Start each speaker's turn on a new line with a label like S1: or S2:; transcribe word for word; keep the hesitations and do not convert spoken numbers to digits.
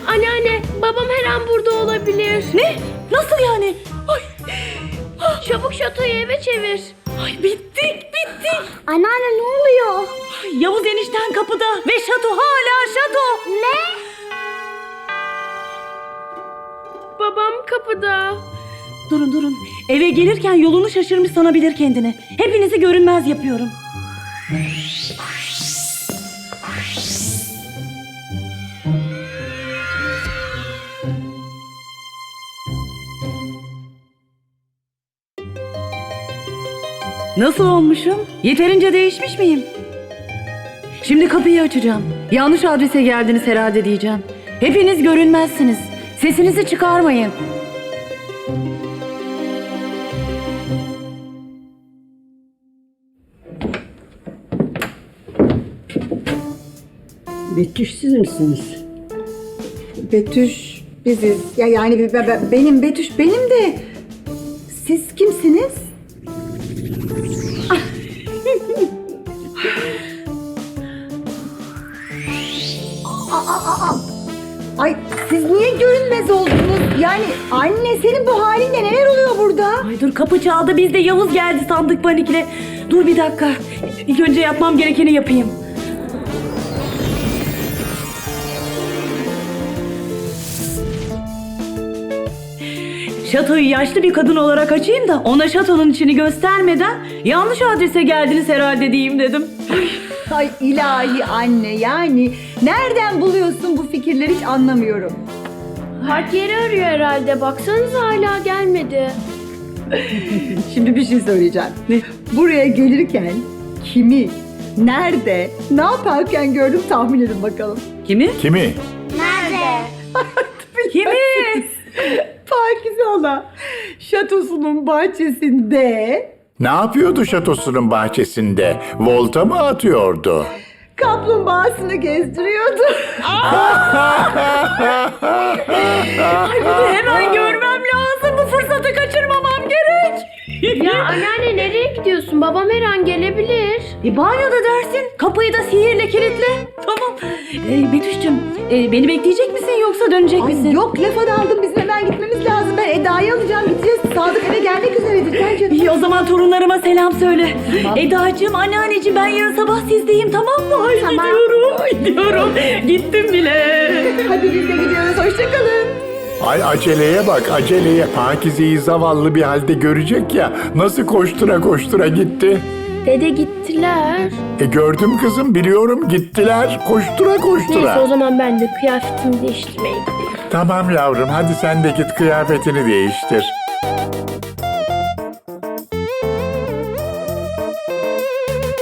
S1: Anneanne, babam her an burada olabilir.
S2: Ne? Nasıl yani? Ay,
S1: Çabuk şatoyu eve çevir.
S2: ay bittik bittik.
S3: Anneanne ne oluyor?
S2: Ay, Yavuz enişten kapıda ve şato hala şato.
S3: Ne?
S1: Babam kapıda.
S2: Durun durun. Eve gelirken yolunu şaşırmış sanabilir kendini. Hepinizi görünmez yapıyorum. Nasıl olmuşum? Yeterince değişmiş miyim? Şimdi kapıyı açacağım. Yanlış adrese geldiniz herhalde diyeceğim. Hepiniz görünmezsiniz. Sesinizi çıkarmayın.
S4: Betüş siz misiniz?
S5: Betüş biziz. Ya yani be- be- benim Betüş benim de. Siz kimsiniz? Aa, aa, aa. Ay siz niye görünmez oldunuz? Yani anne senin bu halinle neler oluyor burada?
S2: Ay dur kapı çaldı, biz de Yavuz geldi sandık panikle. Dur bir dakika. İlk önce yapmam gerekeni yapayım. Şatoyu yaşlı bir kadın olarak açayım da ona şatonun içini göstermeden yanlış adrese geldiniz herhalde diyeyim dedim.
S5: Ay ilahi anne yani nereden buluyorsun bu fikirleri hiç anlamıyorum.
S1: Park yeri arıyor herhalde. Baksanıza hala gelmedi.
S5: Şimdi bir şey söyleyeceğim.
S2: Ne?
S5: Buraya gelirken kimi, nerede, ne yaparken gördüm tahmin edin bakalım.
S2: Kimi?
S6: Kimi?
S3: Nerede?
S2: Kimi?
S5: Pakize Hala şatosunun bahçesinde
S6: Ne yapıyordu şatosunun bahçesinde? Volta mı atıyordu?
S5: kaplumbağasını gezdiriyordu.
S2: Ay bunu hemen görmem lazım. Bu fırsatı kaçırmamam gerek.
S1: Ya anneanne nereye gidiyorsun? Babam her an gelebilir.
S2: E banyoda dersin. Kapıyı da sihirle kilitle. Tamam. E, Betüş'cüm e, beni bekleyecek misin yoksa dönecek
S5: Ay
S2: misin?
S5: yok lafa daldım bizim hemen gitmemiz lazım. Ben Eda'yı alacağım gideceğiz. Sadık eve gelmek üzeredir. Sen canım.
S2: İyi o zaman torunlarıma selam söyle.
S5: Tamam.
S2: Eda'cığım, anneanneciğim ben yarın sabah sizdeyim tamam mı? Ay
S3: Tamam.
S2: gidiyorum. Gidiyorum. Gittim bile.
S5: Hadi biz de gidiyoruz. Hoşçakalın.
S6: Ay aceleye bak aceleye. Pakize'yi zavallı bir halde görecek ya. Nasıl koştura koştura gitti.
S1: Dede gittiler.
S6: E gördüm kızım biliyorum gittiler. Koştura
S1: Neyse o
S6: koştura.
S1: zaman ben de kıyafetimi değiştirmeye gideyim.
S6: Tamam yavrum hadi sen de git kıyafetini değiştir.